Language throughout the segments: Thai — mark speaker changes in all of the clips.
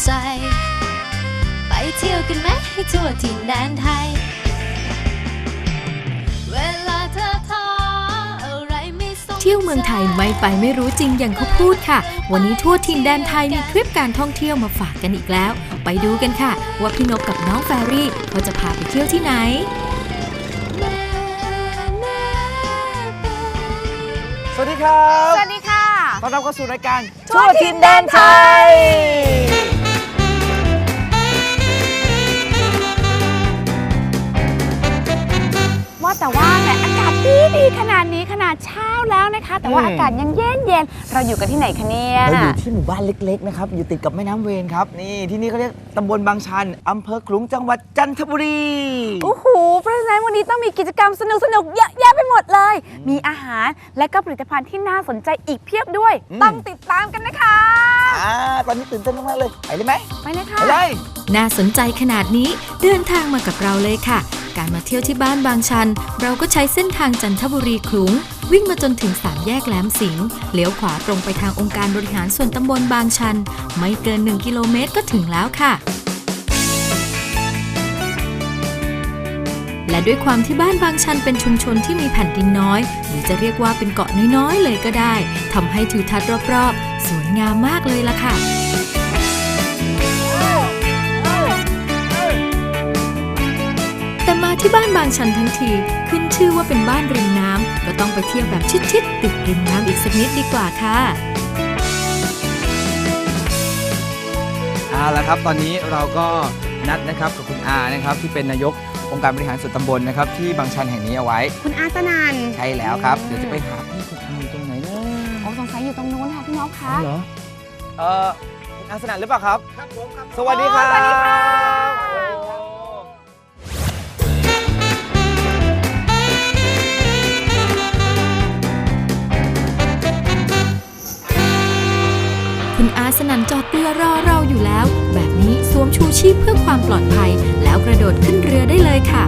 Speaker 1: ใจไปเที่ยวกันไหมให้ทั่วถิ่นแดนไทยเวลาเธอท้ออะไรไม่สนเที่ยวเมืองไทยไม่ไปไม่รู้จริงอย่างเขาพูดค่ะวันนี้ทั่วถิ่นแดนไทยมีทริปการท่องเที่ยวมาฝากกันอีกแล้วไปดูกันค่ะว่าพี่นกกับน้องแฟรี่เขาจะพาไปเที่ยวที่ไหน
Speaker 2: สวัสดีครับ
Speaker 3: สวัสดีค่ะ
Speaker 2: ต้อนรับเข้าสู่รายการ
Speaker 3: ทั่วถิ่นแดนไทยว่าแต่ว่าแหมอากาศดีขนาดนี้ขนาดเช้าแล้วนะคะแต่ว่าอากาศยังเย็นเราอยู่กันที่ไหนคะเนี่ย
Speaker 2: เราอยู่ที่หมู่บ้านเล็กๆนะครับอยู่ติดกับแม่น้ำเวรครับนี่ที่นี่เขาเรียกตำบลบางชันอำเภอขลุงจังหวัดจันทบุรี
Speaker 3: โอ้โหเพราะฉะนั้นวันนี้ต้องมีกิจกรรมสนุกเยอะแยะไปหมดเลยมีอาหารและก็ผลิตภัณฑ์ที่น่าสนใจอีกเพียบด้วยต้องติดตามกันนะคะ
Speaker 2: ตอนนี้ตื่นเต้นมากๆเลยไปเลยไหม
Speaker 3: ไปเลยค่ะ
Speaker 2: ไปเลย
Speaker 1: น่าสนใจขนาดนี้เดินทางมากับเราเลยค่ะการมาเที่ยวที่บ้านบางชันเราก็ใช้เส้นทางจันทบุรีขลุงวิ่งมาจนถึง3แยกแหลมสิงห์เลี้ยวขวาตรงไปทางองค์การบริหารส่วนตำบลบางชันไม่เกิน1 กิโลเมตรก็ถึงแล้วค่ะและด้วยความที่บ้านบางชันเป็นชุมชนที่มีแผ่นดินน้อยหรือจะเรียกว่าเป็นเกาะน้อยๆเลยก็ได้ทำให้ทิวทัศน์รอบๆสวยงามมากเลยล่ะค่ะแต่มาที่บ้านบางชันทั้งทีขึ้นชื่อว่าเป็นบ้านริมน้ำก็ต้องไปเที่ยวแบบชิดๆติดริมน้ำอีกสักนิดดีกว่าค่ะ
Speaker 2: เอาละครับตอนนี้เราก็นัดนะครับกับคุณอานะครับที่เป็นนายกองค์การบริหารส่วนตำบลนะครับที่บางชันแห่งนี้เอาไว้
Speaker 3: คุณอาสนัน
Speaker 2: ใช่แล้วครับเดี๋ยวจะไปหาพี่คุณอาอยู่ตรงไหนนะ
Speaker 3: สงสัยอยู่ตรงนู้นค่ะพี่นกคะ
Speaker 2: เหรอคุณอาสนันหรือเปล่าครับครับผมครับสวัสดีครับ
Speaker 3: สวัสดีค่ะ
Speaker 1: คุณอาสนันจอดเรือรอเราอยู่แล้วแบบนี้สวมชูชีพเพื่อความปลอดภัยแล้วกระโดดขึ้นเรือได้เลยค่ะ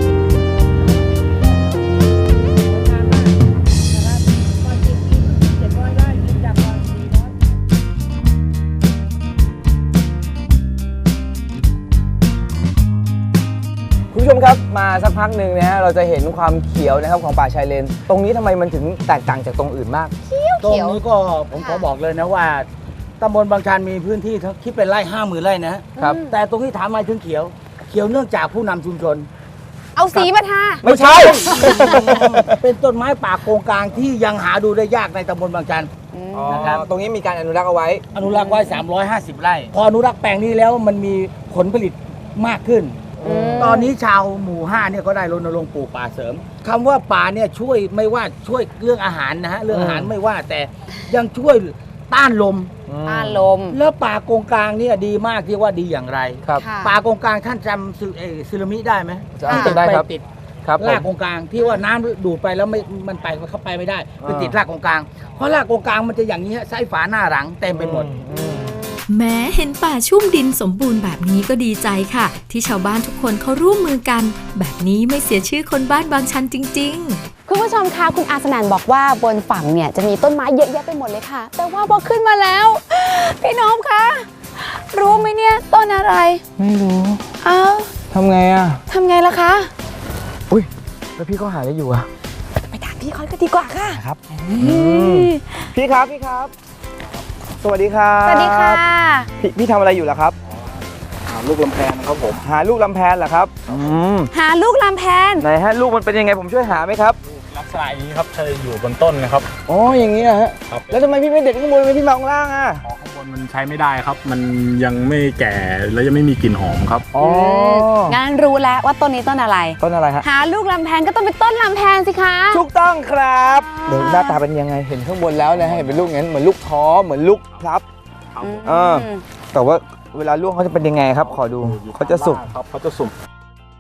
Speaker 2: คุณผู้ชมครับมาสักพักหนึ่งนะฮะเราจะเห็นความเขียวนะครับของป่าชายเลนตรงนี้ทำไมมันถึงแตกต่างจากตรงอื่นมาก
Speaker 4: ตรงนี้ก็ผมขอบอกเลยนะว่าตำบลบางชันมีพื้นที่คิดเป็นไร่50,000 ไร่นะครับแต่ตรงที่ถามมาถึงเขียวเนื่องจากผู้นำชุมชน
Speaker 3: เอาสีมาทา
Speaker 2: ไม่ใช่
Speaker 4: เป็นต้นไม้ป่าโกงกลางที่ยังหาดูได้ยากในตำบลบางชัน
Speaker 2: นะครับตรงนี้มีการอนุรักษ์เอาไว้
Speaker 4: อนุรักษ์ไว้350 ไร่พออนุรักษ์แปลงนี้แล้วมันมีผลผลิตมากขึ้นตอนนี้ชาวหมู่5เนี่ยก็ได้รณรงค์ปลูกป่าเสริมคำว่าป่าเนี่ยช่วยไม่ว่าช่วยเรื่องอาหารนะฮะเรื่องอาหารไม่ว่าแต่ยังช่วยต้านลมแล้วป่าโกงกลางเนี่ยดีมากที่ว่าดีอย่างไร
Speaker 2: ครับ
Speaker 4: ป่าโกงกลางท่านจำสึนามิได้ไหม
Speaker 2: จำได้ครับ
Speaker 4: ติดรากโกงกลางที่ว่าน้ำดูดไปแล้วมันไปเข้าไปไม่ได้ไปติดรากโกงกลางเพราะรากโกงกลางมันจะอย่างนี้ไส้ฝาหน้าหลังเต็มไปหมด
Speaker 1: แม้เห็นป่าชุ่มดินสมบูรณ์แบบนี้ก็ดีใจค่ะที่ชาวบ้านทุกคนเขาร่วมมือกันแบบนี้ไม่เสียชื่อคนบ้านบางชันจริงๆ
Speaker 3: คุณผู้ชมคะคุณอาสนันบอกว่าบนฝั่งเนี่ยจะมีต้นไม้เยอะแยะไปหมดเลยค่ะแต่ว่าพอขึ้นมาแล้วพี่น้องคะรู้ไหมเนี่ยต้นอะไร
Speaker 2: ไม่รู้ทำไง
Speaker 3: ล่ะคะ
Speaker 2: อุ้ยแล้วพี่เขาหาอะไรอยู่อะ
Speaker 3: ไปถามพี่เขาก็ดีกว่าค่ะ
Speaker 2: ครับพี่ครับสวัสดีครับ
Speaker 3: สวัสดีค่ะ
Speaker 2: พี่ทำอะไรอยู่ล่ะครับหาลูกลำแพนครับผมหาลูกลำแพนเหรอครับ
Speaker 3: หาลูกลำแพน
Speaker 2: ไหนฮะลูกมันเป็นยังไงผมช่วยหาไหมครับ
Speaker 4: ลักษณะอย่างนี้ครับเธออยู่บนต้นนะครับ
Speaker 2: อ๋ออย่างนี้นะฮะแล้วทำไมพี่ไม่เด็ดข้างบนไม่พี่มาข้างล่างอ่ะ
Speaker 4: ข้างบนมันใช้ไม่ได้ครับมันยังไม่แก่แล้วยังไม่มีกลิ่นหอมครับ
Speaker 2: อ๋อ
Speaker 3: งั้นรู้แล้วว่าต้นนี้ต้นอะไร
Speaker 2: ฮะ
Speaker 3: หาลูกลำแพนก็ต้องเป็นต้นลำแพนสิคะ
Speaker 2: ถูกต้องครับเดี๋ยวหน้าตาเป็นยังไงเห็นข้างบนแล้วนะเห็นเป็นลูกงั้นเหมือนลูกท้อเหมือนลูกพลับแต่ว่าเวลาลูกเขาจะเป็นยังไงครับขอดูเขาจะสุก
Speaker 4: ครับเขาจะสุก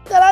Speaker 2: เจอแล้ว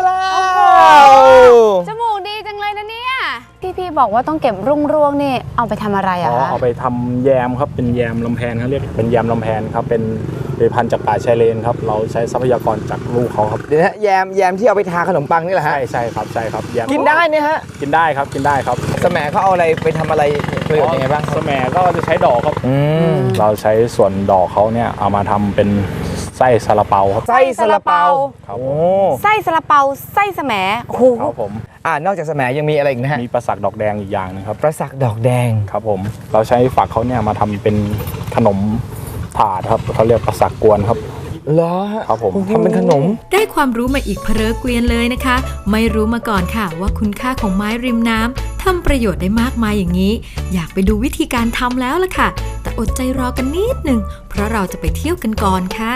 Speaker 3: จมูกดีจังเลยนะเนี่ยพี่บอกว่าต้องเก็บรุ่งร่วงนี่เอาไปทำอะไรอะ
Speaker 5: อ๋อ
Speaker 3: คะ
Speaker 5: เอาไปทำแยมครับเป็นแยมลำแพนเขาเรียกเป็นแยมลำแพนครับเป็นผลิตภัณฑ์จากป่าชายเลนครับเราใช้ทรัพยากรจากลูกเขาครับ
Speaker 2: เดี๋ยวนะแยมที่เอาไปทาขนมปังนี่แหละฮะ
Speaker 5: ใช่ครับแยม
Speaker 2: กินได้เนี่ยฮะ
Speaker 5: กินได้ครับ
Speaker 2: สแหมเขาเอาอะไรไปทำอะไรประโยชน์ยังไงบ้างครับ
Speaker 5: สแหมก็จะใช้ดอกครับ
Speaker 2: ม
Speaker 5: เราใช้ส่วนดอกเขาเนี่ยเอามาทำเป็นไส้ซาลาเปาครับ
Speaker 2: ไส้ซาลาเปา
Speaker 5: ครับ
Speaker 2: โอ้
Speaker 3: ไส้ซาลาเปาไส้แสมโอ้โห
Speaker 5: ครับผม
Speaker 2: นอกจากแสมยังมีอะไรอีกนะฮะ
Speaker 5: มีประสักดอกแดงอีกอย่างหนึงครับ
Speaker 2: ประสักดอกแดง
Speaker 5: ครับผมเราใช้ฝักเขาเนี่ยมาทำเป็นขนมถาดครับเขาเรียกประสักกวนครับ
Speaker 2: เหรอฮะ
Speaker 5: ครับผม
Speaker 2: ทำเป็นขนม
Speaker 1: ได้ความรู้มาอีกเพลอเกวียนเลยนะคะ ไม่รู้มาก่อนค่ะว่าคุณค่าของไม้ริมน้ำทำประโยชน์ได้มากมายอย่างนี้ อยากไปดูวิธีการทำแล้วล่ะค่ะ แต่อดใจรอกันนิดหนึ่งเพราะเราจะไปเที่ยวกันก่อนค่ะ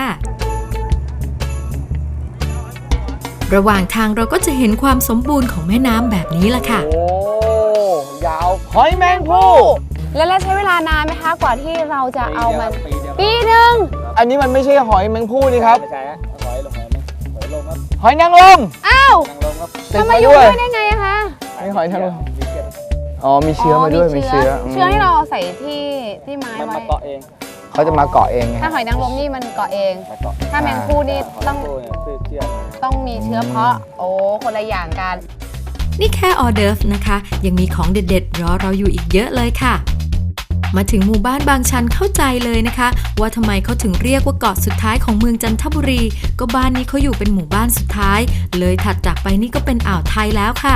Speaker 1: ระหว่างทางเราก็จะเห็นความสมบูรณ์ของแม่น้ำแบบนี้ล่ะค่ะ
Speaker 2: โอ้ยาวหอยแมงภู่
Speaker 3: แล้วใช้เวลานานไหมคะกว่าที่เราจะเอามันปีหนึ่ง
Speaker 2: อันนี้มันไม่ใช่หอยแมงภู่นี่ครับ
Speaker 5: ไม่ใช่ฮะหอยลงครับ
Speaker 2: หอยนางรม
Speaker 3: อ้าว
Speaker 5: นางรมครับ
Speaker 2: ติด
Speaker 3: ทำไม
Speaker 2: มา
Speaker 3: อยู่
Speaker 2: ด้วย
Speaker 3: ด้วยได้ไงอะคะ
Speaker 2: มีหอยนางรมอ๋อมีเชื้อมาด้วยมีเชื้อ
Speaker 3: เชื้อที่เราเอาใส่ที่ไม้
Speaker 5: มัน
Speaker 3: ไว้
Speaker 5: มาเกาะเอง
Speaker 2: เขาจะมาเกาะเองไง
Speaker 3: ถ้าหอยนางรมนี่มันเกาะเอง
Speaker 5: มาเกาะ
Speaker 3: ถ้าแมงคู่นี่ต้อง
Speaker 5: ตัวเนี่ยเชื่อ
Speaker 3: ต้องมีเชื้อเพาะโอ้คนละอย่างกัน
Speaker 1: นี่แค่ออเดิร์ฟนะคะ ยังมีของเด็ดๆรอเราอยู่อีกเยอะเลยค่ะ มาถึงหมู่บ้านบางชันเข้าใจเลยนะคะ ว่าทำไมเขาถึงเรียกว่าเกาะสุดท้ายของเมืองจันทบุรี ก็บ้านนี้เขาอยู่เป็นหมู่บ้านสุดท้าย เลยถัดจากไปนี่ก็เป็นอ่าวไทยแล้วค่ะ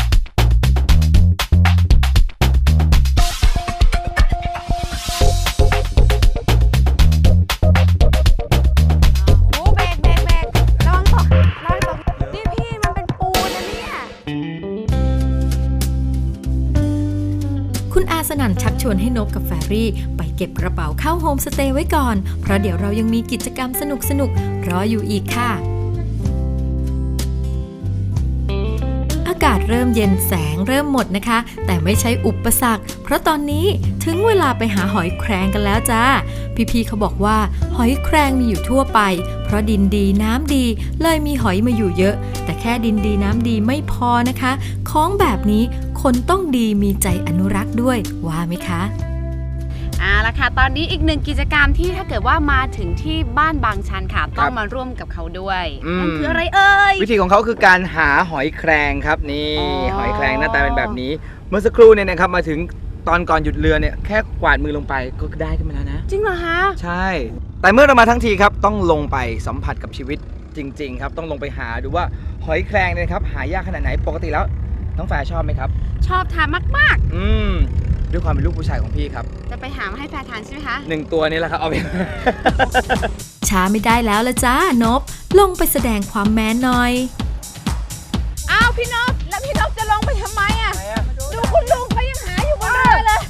Speaker 3: โอ้เบรกระวังตกนี่พี่มันเป็นปูนนะเนี่ย
Speaker 1: คุณอาสนั่นชักชวนให้นบกับแฟรี่ไปเก็บกระเป๋าเข้าโฮมสเตย์ไว้ก่อน เพราะเดี๋ยวเรายังมีกิจกรรมสนุกๆรออยู่อีกค่ะ อากาศเริ่มเย็นแสงเริ่มหมดนะคะ แต่ไม่ใช่อุปสรรค เพราะตอนนี้ถึงเวลาไปหาหอยแครงกันแล้วจ้า พี่ๆเขาบอกว่าหอยแครงมีอยู่ทั่วไป เพราะดินดีน้ำดีเลยมีหอยมาอยู่เยอะ แต่แค่ดินดีน้ำดีไม่พอนะคะ ของแบบนี้คนต้องดีมีใจอนุรักษ์ด้วยว่าไหมคะ
Speaker 3: ละค่ะตอนนี้อีกหนึ่งกิจกรรมที่ถ้าเกิดว่ามาถึงที่บ้านบางชันค่ะต้องมาร่วมกับเขาด้วยนั่นคืออะไรเอ่ย
Speaker 2: วิธีของเขาคือการหาหอยแครงครับนี่
Speaker 3: อ๋อ
Speaker 2: หอยแครงหน้าตาเป็นแบบนี้ เมื่อสักครู่เนี่ยนะครับมาถึงตอนก่อนหยุดเรือเนี่ยแค่กวาดมือลงไปก็ได้ขึ้นมาแล้วนะ
Speaker 3: จริงเหรอคะ
Speaker 2: ใช่ แต่เมื่อเรามาทั้งทีครับต้องลงไปสัมผัสกับชีวิตจริง ๆ ครับต้องลงไปหาดูว่าหอยแครงเนี่ยครับหายากขนาดไหนปกติแล้วน้องแฟร์ชอบไหมครับ
Speaker 3: ชอบทานมาก
Speaker 2: ด้วยความเป็นลูกผู้ชายของพี่ครับ
Speaker 3: ๆ จะไปหามาให้แฟนทานใช่ไหมคะ
Speaker 2: 1 ตัวนี้แหละครับเอาไป
Speaker 1: ช้าไม่ได้แล้วละจ้านบ ลงไปแสดงความแมนหน่อย
Speaker 3: อ้าวพี่นพแล้วพี่นพจะลงไปทำไมอ่ะดูคุณลุงเขายังหาอยู่บนเรือเลย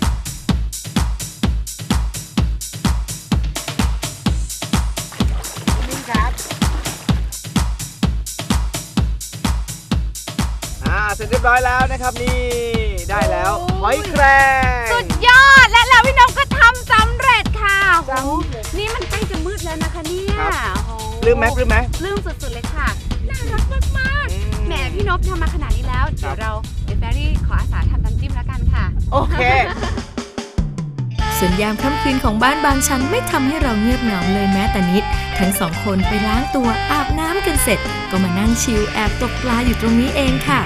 Speaker 2: เสร็จเรียบร้อยแล้วนะครับนี่ได้แล้ว
Speaker 3: โอ้ย
Speaker 2: หอยแครง
Speaker 3: สุดยอดและแล้วพี่นพก็ทำสำเร็จค่ะโอ้โหนี่มันใกล้จะมืดแล้วนะคะเนี่ยโอ้โห
Speaker 2: ลืมไหม
Speaker 3: ลืมสุดๆเลยค่ะน่ารักมากๆแหมพี่นพทำมาขนาดนี้แล้วเดี๋ยวแฟรี่ขออาสาทำน้ำจิ้มแล้วกันค่ะ
Speaker 2: โอเค
Speaker 1: ส่วนยามค่ำคืนของบ้านบางชันไม่ทำให้เราเงียบเหงาเลยแม้แต่นิด ทั้งสองคนไปล้างตัวอาบน้ำกันเสร็จ ก็มานั่งชิลแอบตกปลาอยู่ตรงนี้เองค่ะ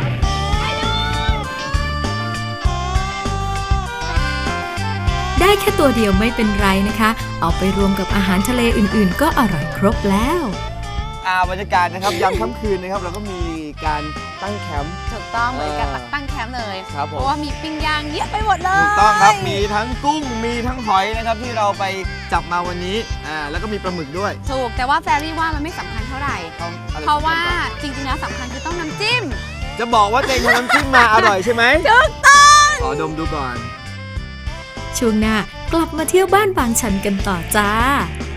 Speaker 1: ได้แค่ตัวเดียวไม่เป็นไรนะคะ เอาไปรวมกับอาหารทะเลอื่นๆ ก็อร่อยครบแล้ว
Speaker 2: บรรยากาศนะครับยามค่ำคืนนะครับเราก็มีการตั้งแคมป์
Speaker 3: ถูกต้องเหมือนกับตั้งแคมป์เลย
Speaker 2: ครับผม
Speaker 3: เพราะว่ามีปิ้งย่างเยอะไปหมดเลย
Speaker 2: ถูกต้องครับมีทั้งกุ้งมีทั้งหอยนะครับที่เราไปจับมาวันนี้แล้วก็มีปลาหมึกด้วย
Speaker 3: ถูกแต่ว่าแฟรี่ว่ามันไม่สำคัญเท่าไหร่ เพราะว่าจริงๆแล้วสำคัญคือต้องน้ำจิ้ม
Speaker 2: จะบอกว่าเจงทำน้ำจิ้มมาอร่อยใช่ไหม
Speaker 3: ถูกต้อง
Speaker 2: ขอดมดูก่อน
Speaker 1: ช่วงหน้ากลับมาเที่ยวบ้านบางชันกันต่อจ้า